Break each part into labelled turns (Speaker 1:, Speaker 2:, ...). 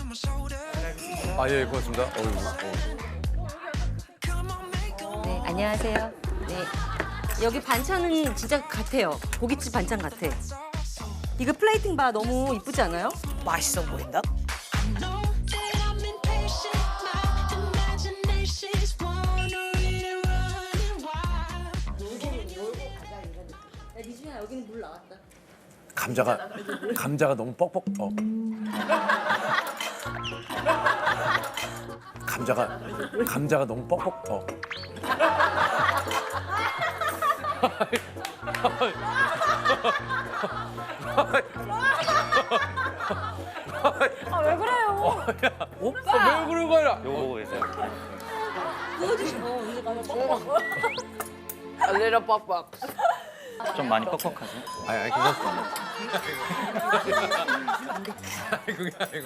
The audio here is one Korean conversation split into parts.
Speaker 1: 아, 예, 고맙습니다.
Speaker 2: 네, 안녕하세요. 네. 여기 반찬은 진짜 같아요. 고깃집 반찬 같아. 이거 플레이팅 봐 너무 이쁘지 않아요?
Speaker 3: 맛있어 보인다.
Speaker 2: 미준아 여기는 물 나왔다.
Speaker 1: 감자가 너무 뻑뻑. 감자가 너무 뻑뻑.
Speaker 2: 아 왜 그래요?
Speaker 1: 왜 그러는 거야?
Speaker 4: 요거 보고 계세요.
Speaker 2: 보여주시고 이제 가서 뻑뻑.
Speaker 3: 알레라 빡빡.
Speaker 4: 좀 많이 뻑뻑하세요?
Speaker 1: 아니, 괜찮습니다. 그게 아니고.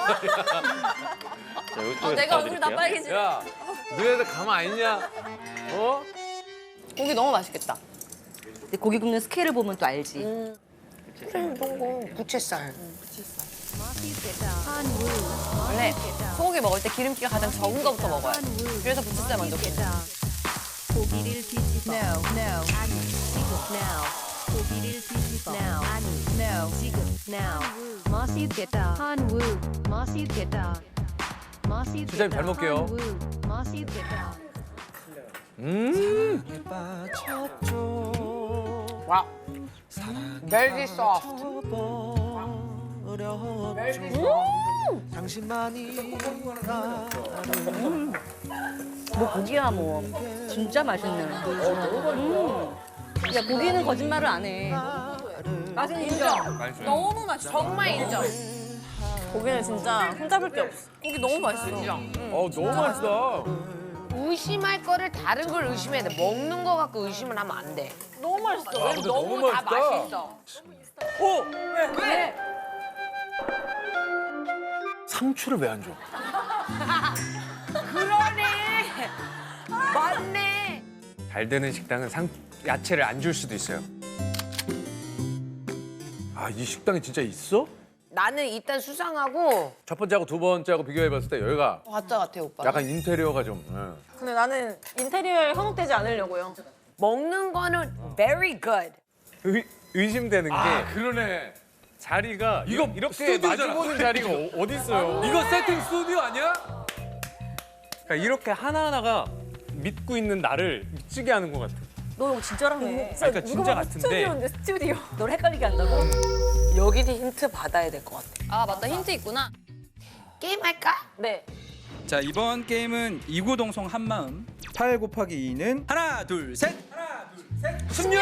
Speaker 4: 자, 이쪽에서
Speaker 2: 내가 얼굴이 다
Speaker 4: 도와드릴게요.
Speaker 2: 빨개지.
Speaker 1: 야, 너네들 가만 안 있냐? 어?
Speaker 3: 고기 너무 맛있겠다.
Speaker 2: 근데 고기 굽는 스케일을 보면 또 알지.
Speaker 3: 이런 거 부채살. 원래 소고기 먹을 때 기름기가 가장 적은 거부터 먹어요. 그래서 부채살 먼저 굽고.
Speaker 5: 고기를 뒤집어. No. 아니, 지금. Now. 고기를 뒤집어. Now. 아니, no. 지금. Now. 맛있겠다. 한우. 맛있겠다. 맛있겠다.
Speaker 1: 수장님 잘 먹게요.
Speaker 5: 한우. 맛있겠다.
Speaker 3: 와. 멜기 소프트.
Speaker 2: 뭐 고기야 뭐. 진짜 맛있네. 야 고기는 거짓말을 안 해. 맛은 인정.
Speaker 3: 너무 맛있어. 정말 인정. 고기는 진짜 흠잡을 게 없어. 고기 너무 맛있어. 인정.
Speaker 1: 너무 맛있다.
Speaker 6: 의심할 거를 다른 걸 의심해야 돼. 먹는 거 갖고 의심을 하면 안 돼.
Speaker 3: 너무 맛있어.
Speaker 1: 근데
Speaker 6: 너무
Speaker 1: 너무
Speaker 6: 다
Speaker 1: 맛있다.
Speaker 6: 맛있어.
Speaker 3: 왜?
Speaker 1: 상추를 왜 안 줘?
Speaker 6: 그러네. 맞네.
Speaker 7: 잘 되는 식당은 야채를 안 줄 수도 있어요.
Speaker 1: 아, 이 식당이 진짜 있어?
Speaker 6: 나는 일단 수상하고
Speaker 1: 첫 번째하고 두 번째하고 비교해봤을 때 여기가
Speaker 6: 가짜 같아 오빠.
Speaker 1: 약간 인테리어가 좀.
Speaker 3: 근데 나는 인테리어에 현혹되지 않으려고요.
Speaker 6: 먹는 거는 very good.
Speaker 7: 의심되는 게
Speaker 1: 그러네.
Speaker 7: 자리가
Speaker 1: 이거
Speaker 7: 이렇게
Speaker 1: 스튜디오잖아.
Speaker 7: 마주보는 자리가 어디 있어요?
Speaker 1: 이거 세팅 스튜디오 아니야?
Speaker 7: 그러니까 이렇게 하나하나가 믿고 있는 나를 미치게 하는 것 같아.
Speaker 2: 너 이거 진짜라며.
Speaker 7: 그러니까 진짜 같은데.
Speaker 2: 스튜디오. 널 헷갈리게 한다고?
Speaker 3: 여기도 힌트 받아야 될 것 같아.
Speaker 2: 아 맞다 힌트 있구나.
Speaker 6: 게임 할까?
Speaker 3: 네.
Speaker 8: 자, 이번 게임은 이구동성 한마음. 8 곱하기 2는 하나, 둘, 셋.
Speaker 1: 16!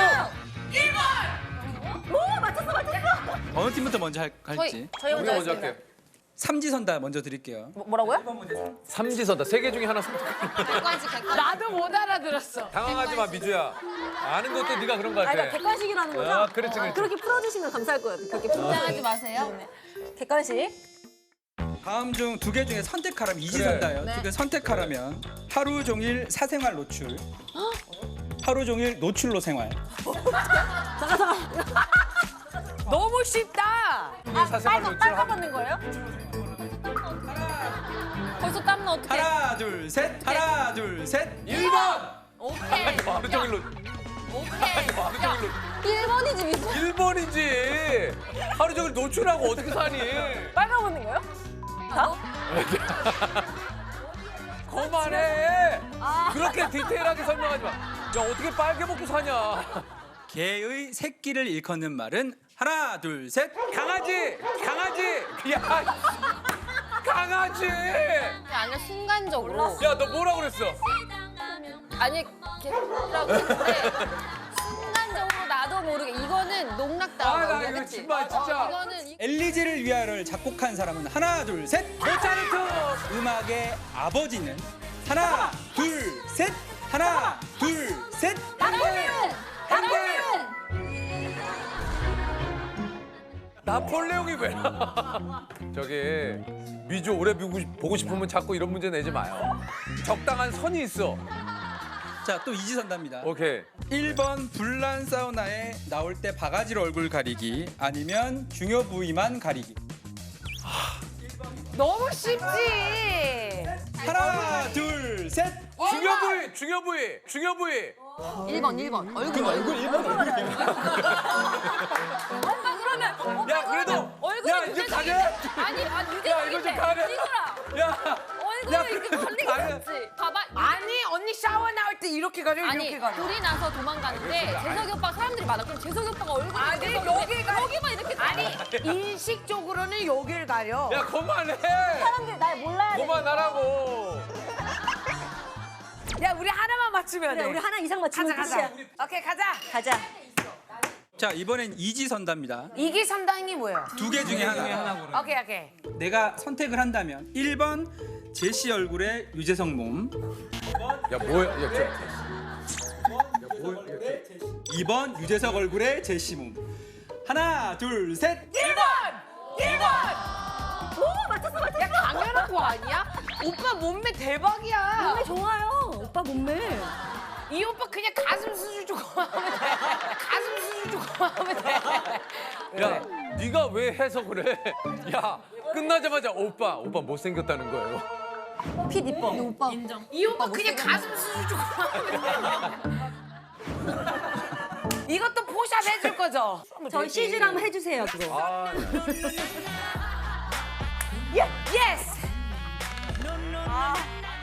Speaker 8: 어느 팀부터 먼저 할지.
Speaker 3: 저희
Speaker 1: 우리가
Speaker 3: 먼저
Speaker 1: 먼저
Speaker 3: 하겠습니다.
Speaker 1: 할게.
Speaker 8: 삼지선다 먼저 드릴게요.
Speaker 3: 뭐라고요?
Speaker 1: 삼지선다. 세 개 중에 하나 선택.
Speaker 6: 나도 못 알아들었어.
Speaker 1: 당황하지 마, 미주야. 아는 것도 네가 그런 거 같아.
Speaker 2: 그러니까 객관식이라는 거죠?
Speaker 1: 아, 그렇지, 그렇지.
Speaker 2: 그렇게 풀어주시면 감사할 거예요. 그렇게 긴장하지 마세요. 객관식.
Speaker 8: 다음 중 두 개 중에 선택하라면 이지선다예요. 두 개 선택하라면 하루 종일 사생활 노출. 하루 종일 노출로 생활.
Speaker 6: 너무 쉽다.
Speaker 1: 사생활 노출
Speaker 3: 받는 거예요? 벌써 땀나 어떡해?
Speaker 8: 하나, 둘, 셋. 하나, 둘, 셋.
Speaker 1: 1번!
Speaker 6: 오케이.
Speaker 1: 하루 종일로.
Speaker 6: 오케이.
Speaker 1: 하루 종일로.
Speaker 2: 1번이지 미소.
Speaker 1: 1번이지. 하루 종일 노출하고 어떻게 사니?
Speaker 3: 빨간 먹는 거예요?
Speaker 1: 그만해. 그렇게 디테일하게 설명하지 마. 야, 어떻게 빨개 먹고 사냐.
Speaker 8: 개의 새끼를 일컫는 말은 하나, 둘, 셋.
Speaker 1: 강아지! 강아지! 야, 강아지!
Speaker 6: 아니야 순간적으로.
Speaker 1: 야, 너 뭐라 그랬어?
Speaker 6: 아니 개라고 했는데 순간적으로 나도 모르게 이거는 농락당한
Speaker 1: 아, 나
Speaker 6: 거야.
Speaker 1: 이거
Speaker 6: 그치?
Speaker 1: 정말 진짜.
Speaker 6: 이거는
Speaker 8: 엘리제를 위하여를 작곡한 사람은 하나, 둘, 셋.
Speaker 1: 모차르트!
Speaker 8: 음악의 아버지는 하나, 둘, 셋. 하나, 둘, 셋.
Speaker 1: 나폴레옹이 왜 나? 저기 미주 오래 보고 싶으면 자꾸 이런 문제 내지 마요. 적당한 선이 있어.
Speaker 8: 자, 또 이지선답니다.
Speaker 1: 오케이.
Speaker 8: 1번 불난 사우나에 나올 때 바가지로 얼굴 가리기 아니면 중요 부위만 가리기.
Speaker 6: 너무 쉽지.
Speaker 8: 하나, 둘, 셋.
Speaker 1: 중요 부위, 중요 부위, 중요 부위.
Speaker 3: 1번. 얼굴.
Speaker 1: 야, 그래도. 야, 이제 가냐?
Speaker 3: 아니,
Speaker 1: 야, 이거 좀 가냐? 야,
Speaker 3: 얼굴을 이렇게 걸리게 했지. 봐봐.
Speaker 6: 아니 언니 샤워 나올 때 이렇게 가려
Speaker 3: 아니,
Speaker 6: 이렇게 가려.
Speaker 3: 불이 나서 도망가는데 재석이 오빠 사람들이 많아. 그럼 재석이 오빠가 얼굴을
Speaker 6: 아니,
Speaker 3: 계속 여기만 이렇게
Speaker 6: 아니 인식적으로는 여길 가려.
Speaker 1: 야, 그만해.
Speaker 2: 사람들 날 몰라야 돼.
Speaker 1: 그만하라고.
Speaker 6: 야 우리 하나만 맞추면
Speaker 2: 그래,
Speaker 6: 돼.
Speaker 2: 우리 하나 이상 맞추면
Speaker 6: 가자.
Speaker 2: 끝이야.
Speaker 6: 오케이 가자.
Speaker 2: 가자.
Speaker 8: 자, 이번엔 이지선다입니다.
Speaker 6: 이기선당이 뭐예요?
Speaker 8: 두 개 중에 하나.
Speaker 6: 오케이.
Speaker 8: 내가 선택을 한다면 1번 제시 얼굴의 유재석 몸,
Speaker 1: 야, 뭐야? 야,
Speaker 8: 2번 유재석 얼굴의 제시 몸. 하나, 둘, 셋.
Speaker 6: 1번.
Speaker 2: 오, 맞췄어.
Speaker 6: 야 당연한 거 아니야? 오빠 몸매 대박이야.
Speaker 2: 몸매 좋아요. 오빠 몸매.
Speaker 6: 이 오빠 그냥 가슴 수술 조금 하면 돼. 가슴 수술 조금 하면 돼.
Speaker 1: 야, 네가 왜 해석을 해? 야, 끝나자마자 오빠 못생겼다는 거예요.
Speaker 2: 핏 이뻐. 오빠.
Speaker 6: 이 오빠 그냥 가슴 수술 조금 하면 돼. 이것도 포샵 해줄 거죠?
Speaker 2: 저희 CG로 한번 해주세요, 그거.
Speaker 1: 아,
Speaker 6: 예스.